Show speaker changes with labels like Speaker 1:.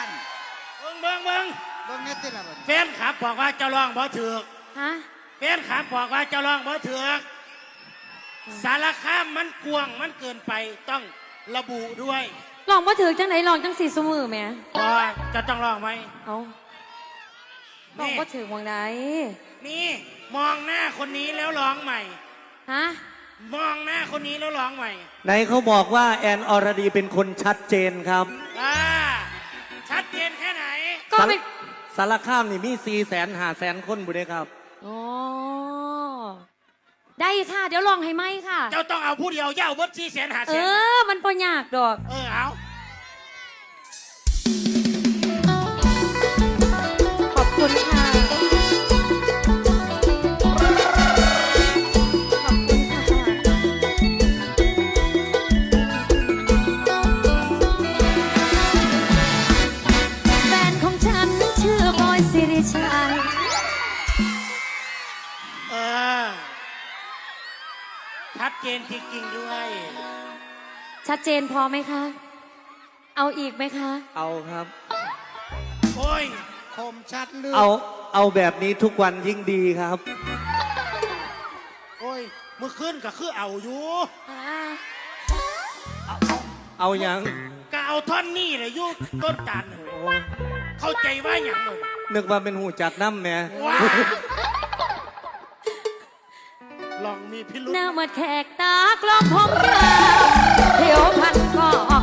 Speaker 1: น
Speaker 2: เบิ่ง
Speaker 1: เบิ่งเน็ตติละบ่
Speaker 2: แฟนขับบอกว่าเจ้าร้องบ่ถูก
Speaker 3: ฮะ
Speaker 2: แฟนขับบอกว่าเจ้าร้องบ่ถูกสารคามมันกว้างมันเกินไปต้องระบุด้วย
Speaker 3: ลองมาถือจังไหนลองจังสี่สมือแม่
Speaker 2: จะต้องร้องไหม
Speaker 3: เอาลองมาถือมองไหน
Speaker 2: นี่มองหน้าคนนี้แล้วร้องใหม่
Speaker 3: ฮะ
Speaker 2: มองหน้าคนนี้แล้วร้องใหม่
Speaker 4: ไหนเขาบอกว่าแอนอรดีเป็นคนชัดเจนครับ
Speaker 2: ชัดเจนแค่ไหน
Speaker 3: ก็ไม่
Speaker 4: สารคามนี่มี400,000-500,000 คนบุได้ครับ
Speaker 3: โอ้ได้ค่ะเดี๋ยวลองให้ไหมค่ะ
Speaker 2: เจ้าต้องเอาผู้เดียวเย้าเบิด400,000-500,000
Speaker 3: มันปยากดอก
Speaker 2: เอา
Speaker 3: ขอบคุณค่ะแฟนของฉันชื่อบอยสิริชัย
Speaker 2: ชัดเจนจริงๆด้วย
Speaker 3: ชัดเจนพอไหมคะเอาอีกไหมคะ
Speaker 4: เอาครับ
Speaker 2: โอ้ย
Speaker 1: คมชัดลึก
Speaker 4: เอาแบบนี้ทุกวันยิ่งดีครับ
Speaker 2: โอ้ยเมื่อคืนก็คือเอาอยู่
Speaker 4: เอายัง
Speaker 2: ก็เอาท่อนนี่เลยยุต้นจานเข้าใจว่าอย่างหนึ่ง
Speaker 4: นึกว่าเป็นหูจักน้ำแม่
Speaker 2: ลองมีพิรุธ
Speaker 3: หน้ามาแขกตากลองผมยาวเที่ยวพันก่อ